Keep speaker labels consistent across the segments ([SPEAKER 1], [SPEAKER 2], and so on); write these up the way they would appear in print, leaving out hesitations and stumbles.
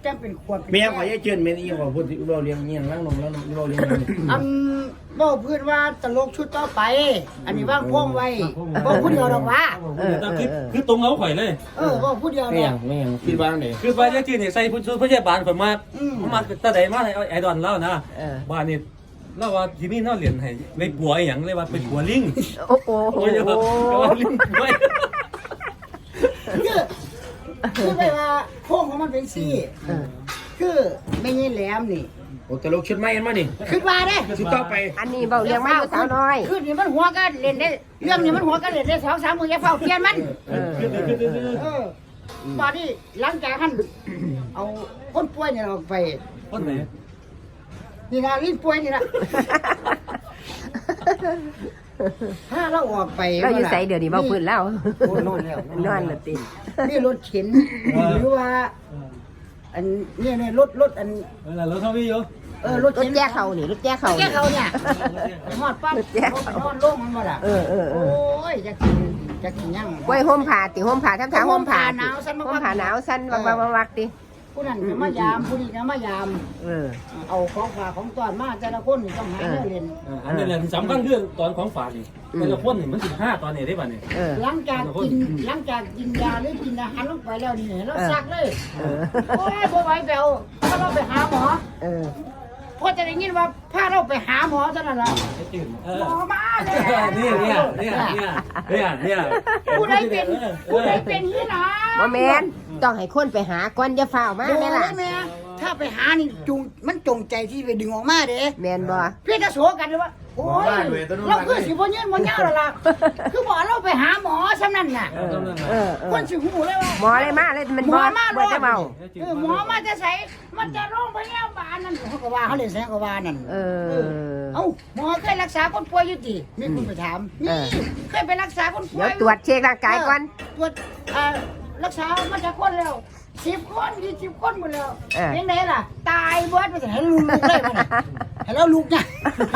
[SPEAKER 1] จังเป็นขวด
[SPEAKER 2] เมียขอยายเจินเมียอีขอพูดที่เราเลี้ยงเงี้ยล้างนมแล้วเราเลี้ยง
[SPEAKER 1] บอกเพื่อนว่าตลกชุดต่อไปอันนี้ว่างพ่วงไว้บอกพูดเดียวหรอกวะ
[SPEAKER 3] คือตรงเอาข่อยเลย
[SPEAKER 1] บอกพูดเดียว
[SPEAKER 2] เนี่ยไม่คิดว่าไง
[SPEAKER 3] คือบ้านยายจีนเนี่ยใส่ผู้พยาบาลข่อยมาตาใดมาไอ้ดอนเล่านะบ้านนี่เล่าว่าที่นี่เล่าเหรียญให้ไปปัวอย่างเลยว่าไปปัวลิง
[SPEAKER 4] โอ้โห
[SPEAKER 3] ลิงด้วย
[SPEAKER 1] คือไปว่าโค้งของมันเป็นซี่คือไม่ใช่แหลมนี่
[SPEAKER 2] โอ้ตลกชุดใหม่เห็นมั้ยนี่
[SPEAKER 1] ขึ้นมาเด้
[SPEAKER 2] ชุดต่อไป
[SPEAKER 4] อันนี้เบาเรียงมาอยู่สาวน้อย
[SPEAKER 1] ขึ้นนี่มันหัวก็เล่นได้เรื่องนี้มันหัวก็เล่นได้2-3 มื้ออย่าเฝ้าเปลี่ยนมันตอนนี้หลังจากท่านเอาคนป่วยเนี่ยเราไป
[SPEAKER 3] คนไหน
[SPEAKER 1] นี่นะลิ้นป่วยนี่นะถ้าเราออกไป
[SPEAKER 4] เราอยู่ใส่เดี๋ยวนี้เบาพื้นแล้ว
[SPEAKER 1] นอนแล้ว
[SPEAKER 4] นอนละติ
[SPEAKER 1] นี่รถเข็นหรือว่าอันนี่รถอัน
[SPEAKER 3] รถเท่าพี่อยู่
[SPEAKER 1] รถ
[SPEAKER 4] แก้เขานี่รถแก้เขา
[SPEAKER 1] เนี่ยหอดปั๊บนอนโล่งมันหมดอ่ะโอ้ยจะกินยัง
[SPEAKER 4] ไว้ห่มผ้าติห่มผ้าทำทางห่มผ้าหนาวสั้นห่มผ้าหนาวสั้นวักติ
[SPEAKER 1] ผู้นั้นก็มายามผู้นี้ก็มายามเอาของฝากของตอนมาแต่ละคนต้องหาเงิน
[SPEAKER 3] อันนี้แหละสำคัญคือตอนของฝากนี่แต่ละคนนี่มัน15ตอนนี้ได้ป่ะนี่
[SPEAKER 1] หลังจากกินยาหรือกินอาหารลงไปแล้วนี่เราซักเลยโอ้ยบ่ไหวไปเอาพาเราไปหาหมอพอจะได้ยินว่าพาเราไปหาหมอเท่านั้นแหละหมอมาเลย
[SPEAKER 3] เนี่ย
[SPEAKER 1] ผู้ใดเป็นนี่นะ
[SPEAKER 4] บ่แม่นต้องให้คนไปหาก่อนอย่าฝ้าวมาแม่ล่ะ
[SPEAKER 1] ถ้าไปหานี่มันจงใจที่ไปดึงออกมาเด้
[SPEAKER 4] แม่นบ่
[SPEAKER 1] เพื่อจะโสกันเลยว่าโอ้ยเราคือสิบ่ยืนบ่ยาวแล้วล่ะคือบอกเราไปหาหมอซะนั่นน่ะคนสิหูเลยว่า
[SPEAKER 4] หมอเลยมาเลยมันบ่ได้เมา
[SPEAKER 1] หมอมาจะใส่มันจะโรงพยาบาลนั่นเขาก็ว่าเขาเลยแซงก็ว่านั่นเอ้าหมอเคยรักษาคนป่วยอยู่ติมีคนไปถามนี่เคยไปรักษาคนป่วย
[SPEAKER 4] เดี๋ยวตรวจเช็คร่างกายก่อน
[SPEAKER 1] ตรวจรักษามาจากคนแล้ว10 คน20 คนหมดแล้วยังไงล่ะตายเบิดไปให้ลูกเลยมันให้เราลูกเนี่ย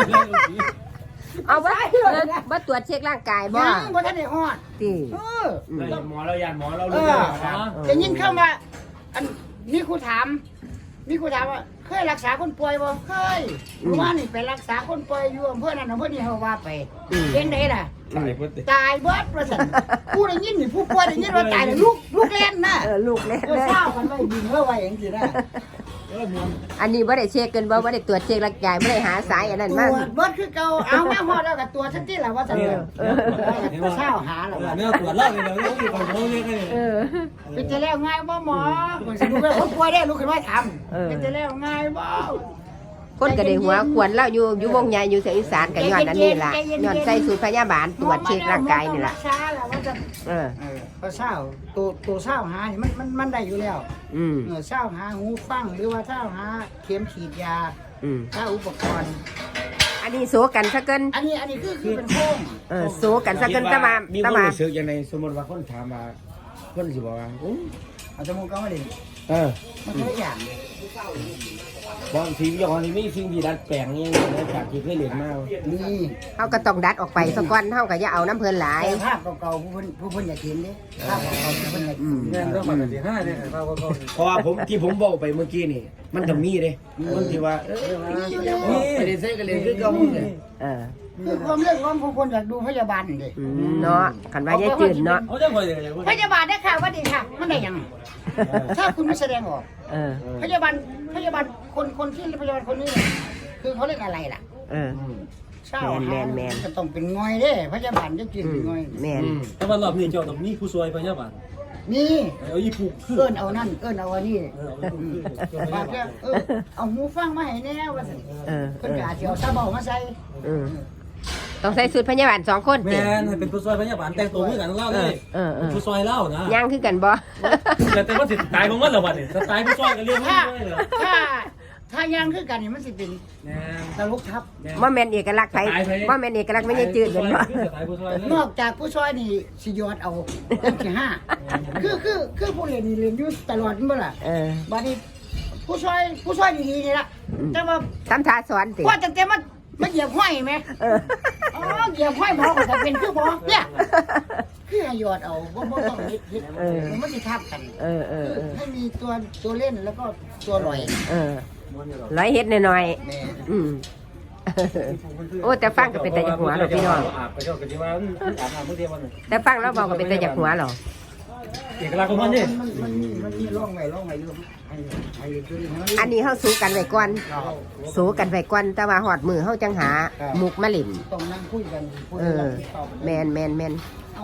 [SPEAKER 4] เอาบ่ตรวจเช็คร่างกายบ่
[SPEAKER 1] บ่ทันได้ฮอด
[SPEAKER 4] ติ
[SPEAKER 2] หมอเรายานหมอเรา
[SPEAKER 1] รู้จะยินเข้ามาอันมีครูถามว่าเคยรักษาคนป่วยบ่เคยว่านี่ไปรักษาคนป่วยอยู่อำเภอนั้นอำเภอนี้เฮาว่าไปยังไงล่ะตายเบิดว่าซั่นผู้ได้ยินนี่ผู้ป่วยได้ยินว่าตายแล้วลูกเล่นน่ะ
[SPEAKER 4] ลูกเล่น
[SPEAKER 1] เศร้ากันไว้ดินเฮาไว้จังซี่นะ
[SPEAKER 4] อันนี้บ่ได้เช็คกันบ่ได้ตรวจเช็คร่างกายบ่ได้หาสายอันนั้นมา
[SPEAKER 1] ตรวจเบิดคือเก่าเอามาฮอดแล้วก็ตรวจทันทีล่ะว่าซั่นเศร้าหาแล้ว
[SPEAKER 3] เนี่ยตรวจแล้วนี่เราอยู่ของเขาเนี่ย
[SPEAKER 1] เป็นจะแล้วง่ายบ่หมอคนสิลูกคนป่วยได้ลูกขึ้นมาถามเป็นจะแล้วง่ายบ่
[SPEAKER 4] คนก็ได้หัวควรแล้วอยู่วงใหญ่อยู่เสียงอีสานก็ย้อนอันนี้ล่ะย้อนใส่สูตรพยาบาลตรวจเช็คร่างกายนี่ล่ะ
[SPEAKER 1] ก็เศร้าตัวเศร้าหานี่มันได้อยู่แล้วเศร้าหาหูฟังหรือว่าเศร้าหาเข็มฉีดยาเศร้าอุปกรณ์
[SPEAKER 4] อันนี้โซกันซะเกิน
[SPEAKER 1] อันนี้คือเป็นโค้ง
[SPEAKER 4] โซกันซะเกินตะมา
[SPEAKER 2] มีคนรู้สึกอย่างไรสมมติว่าคนถามมาคนสิบอกว่า
[SPEAKER 1] เอาจมูกก็ไม่ดีมันทุกอย่าง
[SPEAKER 2] บางทีอย่างนี้มีสิ่งที่ดัดแปลงนี่จากที่เคยเรียนมา
[SPEAKER 1] นี่
[SPEAKER 4] เขาก็ต้องดัดออกไปสักวันเท่ากับอย่าเอาน้ำเพลินหลาย
[SPEAKER 1] ภาพเก่าๆผู้คนอยากเห็นดิภาพเก่าๆผู้คนอยาก
[SPEAKER 3] เนี่ยเรื่องมันเป็น15เนี่ย
[SPEAKER 2] เพราะว่าผมบอกไปเมื่อกี้นี่มันจะมีเลยมันที่ว่าไปเรียนเซ่กันเรียนคือเก่าเลย
[SPEAKER 1] คือความเรื่องของคนอยากดูพยาบาลนี่
[SPEAKER 4] เนาะขันว่าจะจืดเนาะ
[SPEAKER 1] พยาบาลได้ค่ะว่าดีค่ะมันได้ยังถ้าคุณไม่แสดงออกพยาบาลคนที่พยาบาลคนนี้คือเขาเรียกอะไรล่ะเช่าแมนจะต้องเป็นง่อยเด้พยาบาลจะกินเป็นง่อย
[SPEAKER 4] แมน
[SPEAKER 3] แต่ว่ารอบนี้เจ้าต้องมีผู้ช่วยพยาบาล
[SPEAKER 1] นี่
[SPEAKER 3] เอาอีผูก
[SPEAKER 1] เอิ้นเอานั่นเอิ้นเอาอันนี้บาดเนี่ยเอาหูฟังมาให้แน่ว่าสิเพิ่นก็อาจจะเอาซาเบามาใส่
[SPEAKER 4] ต้องใส่สูตรพยาบาล2 คน
[SPEAKER 3] แม่นให้เป็นผู้ช่วยพยาบาลแต่งตัวคือกันเล่าเลยผู้ช่วยเล่านะ
[SPEAKER 4] ย่างคือกันบ่
[SPEAKER 3] แต่ว่าสิตายของมันแล้วบัดนี้ตายผู้ช่วยก็เรียกผู้ช่วยเหรอ
[SPEAKER 1] ถ้าย่างคือกันนี่มันสิเป็นตลกทับ
[SPEAKER 4] บ่แม่นเอกลักษณ์ไผบ่แม่นเอกลักษณ์ไม่ใช่จืดเหมือนบ่
[SPEAKER 1] นอกจากผู้ช่วยนี่สิยอดเอาที่5คือผู้เรียนอยู่ตลอดบ่ล่ะบัดนี้ผู้ช่วยดีๆนี่ล่ะแต่ว่า
[SPEAKER 4] ทำท่าสอนสิ
[SPEAKER 1] ว่าตั้งแต่มันเหยียบห้อยไหมเหยียบห้อยหมอก็จะเป็นคือหมอเนี่ยคือให้หยอดเอาบ่ต้องเฮ็ดมันสิทับกันให้มีตัวเล่นแล้วก็ตัวลอย
[SPEAKER 4] ร้อยเฮ็ดหน่อย
[SPEAKER 1] แม่
[SPEAKER 4] ๆโอ้แต่ฟังก็เป็นแต่จากหัวหรอพี่น้อง
[SPEAKER 3] อาบไปก็คือว่าอาบน้ำเมื่อเดียววันนึง
[SPEAKER 4] แต่ฟังแล้วบอกก็เป็นแต่จากหัวหรอ
[SPEAKER 3] เอกลักษณ์ของมันนี่
[SPEAKER 1] มันมีร่องไว้อยู่ให้ตัวนี้ให้มัน
[SPEAKER 4] อันนี้เฮาสู้กันไว้ก่อนสู้กันไว้ก่อนแต่ว่าฮอดมือเฮาจังหามุกมาเล่น
[SPEAKER 1] ต้องนั่งคุยกัน
[SPEAKER 4] แม่น
[SPEAKER 1] เอ้า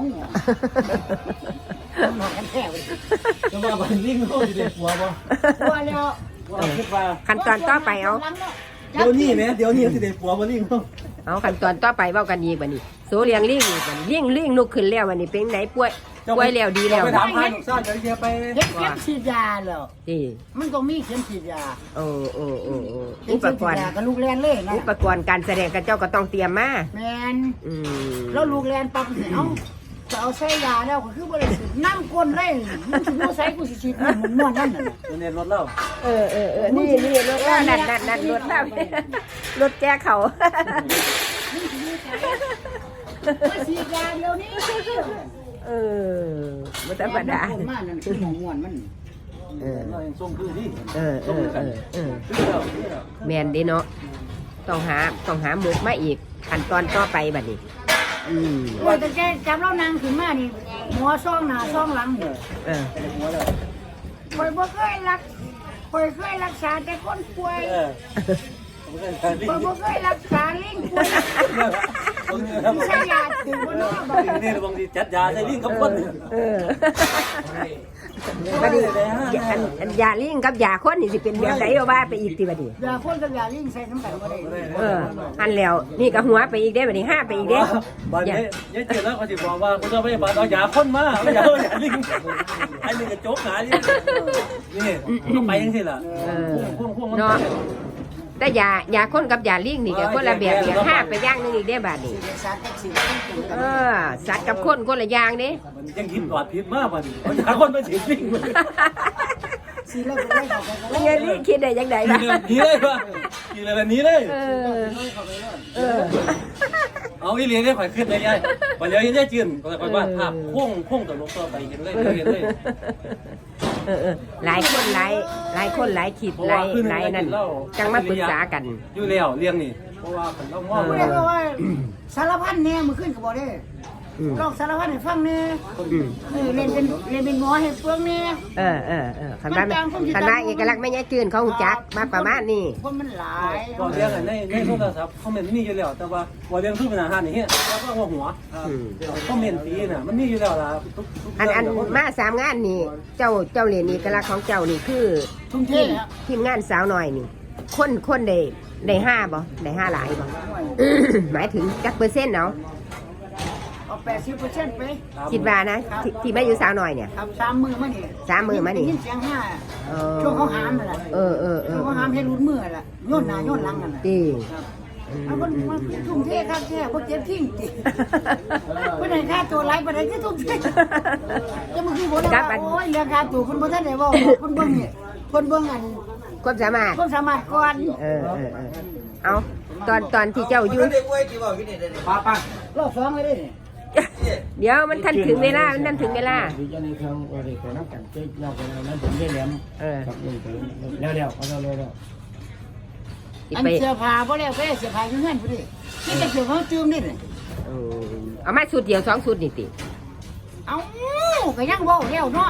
[SPEAKER 1] หนักกันแท้เว้ย
[SPEAKER 3] จะว่าบันลิงเขาจะได้ผัวบ่
[SPEAKER 1] ว่าแล้ว
[SPEAKER 3] ว่าคิดว่า
[SPEAKER 4] ขั้นตอนต่อไปเอา
[SPEAKER 3] เดี๋ยวนี้จะได้ผัวบันลิงเขา
[SPEAKER 4] เอาขั้นตอนต่อไปเว้ากันอีกบัดนี้สู้เลี้ยงลิงอีกบัดนี้ลิงลุกขึ้นแล้วบัดนี้เป็นไหนป่วยแล้วดีแล้ว
[SPEAKER 3] ไปถามพาลูกซ่าจะเรียไป
[SPEAKER 1] เข็มฉีดยาแล้ว
[SPEAKER 4] นี่
[SPEAKER 1] มันต้องมีเข็มฉีดยา
[SPEAKER 4] โอ้
[SPEAKER 1] เข็
[SPEAKER 4] อุ
[SPEAKER 1] ม
[SPEAKER 4] ป
[SPEAKER 1] ฉีด
[SPEAKER 4] กรณ์
[SPEAKER 1] ยากับลูกแลนเลยนะ
[SPEAKER 4] อุปกรณ์การแสดงกับเจ้าก็ต้องเตรียมมา
[SPEAKER 1] แมนแล้วลูกแลนปั๊บเนี่ยเอ้าจะเอาใส่ยาแล้วก็คือบ่ได้สิน้ำก้นเลยมันสิบ่ใส่กูสิฉีดมันม่วนนั่นน่ะ
[SPEAKER 3] เรียนรถเล่า
[SPEAKER 4] นี่รถแล้วนั่นรถแล้วรถแก้เขา
[SPEAKER 1] มาฉีดยาเดี๋ยวนี้
[SPEAKER 4] บ่ธรรมดา
[SPEAKER 1] คนมานั่นคือหมองม่วนมัน
[SPEAKER 3] เรายังส่งคือที่
[SPEAKER 4] แม่นเด้เนาะต้องหาหมกมาอีกขั้นตอนต่อไปบัดนี้
[SPEAKER 1] ว่าแต่แกจับเรานางขึ้นมานี่หัวซ่องหน้าซ่องหลังนี่ข่อยบ่เคยรักษาแต่คนป่วยข่อยบ่เคยรักษาลิงป่วยใช้ยาถึงบ่เนาะบ่
[SPEAKER 3] นี่บางทีจัดยาใส่ลิงกับคน
[SPEAKER 4] บัดนี้อันยาลิงกับยาคนนี่สิเป็นแบบไหนเอาว่าไปอีกติบัดนี้
[SPEAKER 1] ยาคนกับยาลิงใส่น้ำกันบ่ได้
[SPEAKER 4] อันแล้วนี่ก็หัวไปอีกเด้บัดนี้5ไปอีกเด้
[SPEAKER 3] บ้านนี้ยายเจอแล้วเขาจะบอกว่าคุณเจ้าพยาบาลเอายาคนมาเอายาลิงไอ้ลิงกระจกหานี่ต้องไปยังไงล่ะ
[SPEAKER 4] เนาะแต่ยาคนกับยาลิงนี่ก็คนละแบบอย่าง5ไปอย่างนึงอีกเด้บัดนี้
[SPEAKER 1] สารกับสิ
[SPEAKER 4] สัตว์กับคนละอย่างเด้
[SPEAKER 3] มันยังคิดปลอดผิดมากมันเอายาคนมาฉีดลิง
[SPEAKER 1] สิแล้วก็ได้เข้าไปแล้ว
[SPEAKER 4] เงี้ยลิงคิดได้ยังไงล่ะ
[SPEAKER 3] นี่เลยป่ะกินอะไรแบบนี้เลยเอาอีเลียนได้ข่อยขึ้นเลยยายข่อยเลยยังได้จืนข่อยว่าภาพพุ่งต่อลงต่อไปเห็นเลย
[SPEAKER 4] หลายคนหลายขีดหลายนั่นจังมาปรึกษากัน
[SPEAKER 3] อยู่แล้วเลี้ยงนี่เพราะว่าผมต้องมอง
[SPEAKER 1] บ่ได้ว่าสารพันแน่มื้อคืนก็บ่ได้ลองสารพันให้ฟังแน่เล่นเป็นหมอให้เปลืองแน่
[SPEAKER 4] คันว่าเอกลักษณ์ไม่แย่จืนเขาหูจักมาประมาณนี้
[SPEAKER 1] คนมันหลาย
[SPEAKER 3] ก็เลี้ยงในโทรศัพท์คอมเมนต์นี่อยู่แล้วแต่ว่าว่าเลี้ยงทุกเป็นอาหารนี่เฮ้ยแล้วก็หัวคอมเมนต์ตีน่ะมันนี่อยู่แล้วล่ะ
[SPEAKER 4] อันมา3งานนี่เจ้าเรียนเอกลักษณ์ของเจ้านี่คือ
[SPEAKER 1] ทุ่มเทแล้ว
[SPEAKER 4] ทีมงานสาวน้อยนี่คนได้5บ่ได้5หลายบ่หมายถึงจักเปอร์เซ็นต์เนาะ
[SPEAKER 1] เอา80%ไป
[SPEAKER 4] คิดว่านะที่มาอยู่สาวน้อยเนี่ย
[SPEAKER 1] ครับ3 มื้อมานี่
[SPEAKER 4] 3 มื้อมานี่
[SPEAKER 1] ยินเสียงห้าช่วงเขาหามนั่นแหละช่วงเขาหามให้รุนมือแหละโยนหน้าโยนหลังนั่นแหละ
[SPEAKER 4] ดี
[SPEAKER 1] เอาคนมาทุ่มเทครับแท้บ่เจ็บทิ้งติบ่ได้ค่าตัวหลายบ่ได้คือทุ่มเทจะมึงคือบ่ได้ว่าโอ้ยเรื่องค่าตัวเพิ่นบ่ทันได้เว้าเพิ่นเบิ่งนี่เพิ่นเบิ่งอัน
[SPEAKER 4] ความสามารถ
[SPEAKER 1] ความสามารถก่อน
[SPEAKER 4] เอาตอนที่เจ้าอยู่
[SPEAKER 3] ป้าร
[SPEAKER 1] อบ2เลยเด้
[SPEAKER 4] เดี๋ยวมันทันถึงเวลา
[SPEAKER 2] ที่จะในเครื่องว่าได้ขอน้ำกันเจ๊ยอกไปแล้วนั้นผมได้แหลมกับลุงไปแล้วเอาเร็ว
[SPEAKER 1] อันเสื้อผ้าบ่แล้วก็เสื้อผ้าอยู่เฮือนพุ่นดินี่จะเสื้อผ้าจืมนี่
[SPEAKER 4] เอามาสุดเดียว2สุดนี่ติ
[SPEAKER 1] เอ้าก็ยังเว้าแล้วเนาะ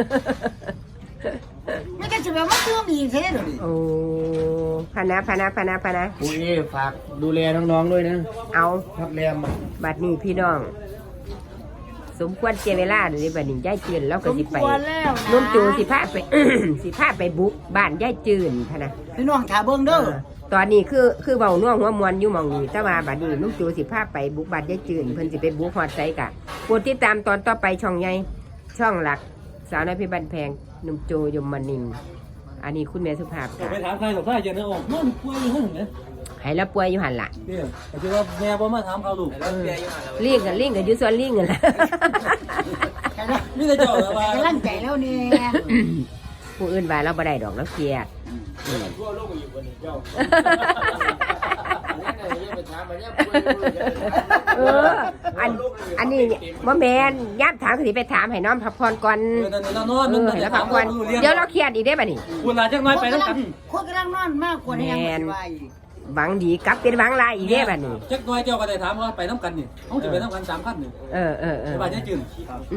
[SPEAKER 1] ไม่ก็สิแบบมาจืมอีกเท่เด้อดิ
[SPEAKER 4] โอ้พะนะ
[SPEAKER 2] ปุ้ยฝากดูแลน้องๆด้วยนะ
[SPEAKER 4] เอา
[SPEAKER 2] พักแรม
[SPEAKER 4] บัดนี้พี่น้อง สมควรเสียเวลาเดี๋ยวนี้บัดนี้ยายจืนแล้วก็สิไปนุ่มจูสิพาไป สิพาไปบุกบ้านยายจืนพะนะ
[SPEAKER 1] พี่น้องถ้าเบิ่งเด้อ
[SPEAKER 4] ตอนนี้คือเบาน่วงหัวมวนอยู่หมองนี้แต่ว่าบัดนี้นุ่มจูสิพาไปบุกบ้านยายจืนเพิ่นสิไปบุกฮอดไสกะโปรดติดตามตอนต่อไปช่องใหญ่ช่องหลักสาวน้อยเพชรบ้านแพงนุ่มโจยมนินทร์อันนี้คุณแม่สุภาพ
[SPEAKER 3] ไปถามใครกับใครจะนึกออกมันป่วยอยู่หั่นเนี่ย
[SPEAKER 4] ให้ละป่วยอยู่หันละ
[SPEAKER 3] เนี่ยคิดว่าแม่บ่มาถามเขาลูก
[SPEAKER 4] ลิงกันอยู่ส่วนลิงกันละ
[SPEAKER 3] นี่จะเจ้าแล้วว่า
[SPEAKER 1] กำลังใจแล้วนี่
[SPEAKER 4] ผู้อื่นว่าเราบ่ได้ดอกเราเครียด
[SPEAKER 2] ทั่วโลกอยู่บนเจ้า
[SPEAKER 4] เอออันนี้บ่แม่นย่ามถามสิไปถามให้น้องพักผ่อนก่อน
[SPEAKER 3] เรานอน
[SPEAKER 4] แล้วพักผ่อนเดี๋ยวเราเครียดอีกได้บัดนี้
[SPEAKER 3] คุณลาจักน้อยไปแล้วกัน
[SPEAKER 1] คนกำลังนอนมากกว่านี้ยังไม่ไหว
[SPEAKER 4] หวังดีกลับเป็นหวังลายอีกได้บัดนี้
[SPEAKER 3] จักน้อยเจ้าก็ได้ถามว่าไปน้ำกันนี่เขาจะไปน้ำกัน3 คันนี่
[SPEAKER 4] เออ
[SPEAKER 3] สบายใจจืด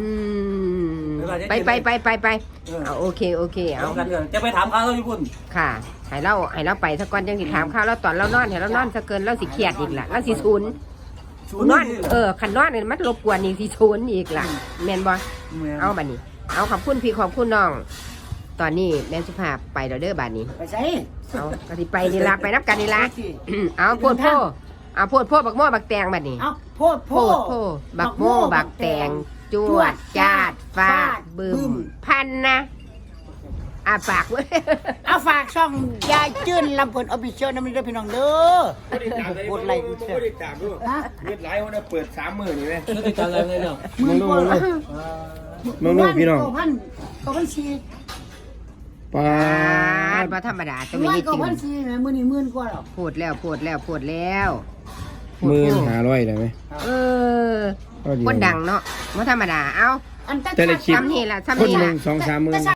[SPEAKER 4] ไปเอาโอเคเอา
[SPEAKER 3] เอากันจะไปถามเขาเราอยู่พุ่น
[SPEAKER 4] ค่ะให้เราไปสักก่อนจังสิถามข้าวเราตอนเรานอนให้เรานอนซะเกินเราสิเครียดอีกล่ะเราสิศูนย์นอนคันนอนนี่มันรบกวนอีกสิศูนย์อีกล่ะแม่นบ่เอาบัดนี้เอาขอบคุณพี่ขอบคุณน้อง ตอนนี้แม่สุภาพไปแล้วเด้อบัดนี้
[SPEAKER 1] ไปใส่
[SPEAKER 4] เอาก็สิไปนี่ล่ะไปนับกันนี่ล่ะเอาโพดโพเอาโพดโพบักโม่บักแตงบัดนี้
[SPEAKER 1] เอาโพด
[SPEAKER 4] โพดโพบักโม่บักแตงจวดจาดฟาดบึ้มพันนะปากเว้ย
[SPEAKER 1] เอาฝากช่องยายจื้นลำเพิ่นออฟฟิเชียลนะมันได้พี่น้องเด้อกดไลค์กดแชร์
[SPEAKER 2] ไม่ได้ตามด้วยเงินไหลวันนี้เปิด30,000นี่ไหม
[SPEAKER 3] แล้วติดตามอะไรเลยเนาะ
[SPEAKER 1] มึงกด
[SPEAKER 2] น้องพี่น้อง
[SPEAKER 1] 9,000
[SPEAKER 2] ปาด
[SPEAKER 4] บ่ธรรมดาจะ
[SPEAKER 1] ไม่
[SPEAKER 4] ไม่
[SPEAKER 1] ได้
[SPEAKER 4] ได้
[SPEAKER 1] 9,000
[SPEAKER 4] ติ่ง
[SPEAKER 1] แม่มื้อนี้หมื่นกว่าหรอก
[SPEAKER 4] พูดแล้ว
[SPEAKER 2] 1500ได้ไหม
[SPEAKER 4] เออคนดังเนาะบ่ธรรมดา เอา
[SPEAKER 1] อันตั้ง
[SPEAKER 2] แต่ละคลิป
[SPEAKER 4] ซ้ำนี่ล่ะซ้ำ
[SPEAKER 2] คน
[SPEAKER 4] นี่
[SPEAKER 2] ห
[SPEAKER 4] ล่ะ
[SPEAKER 2] นึ่ง2-3 หมื่น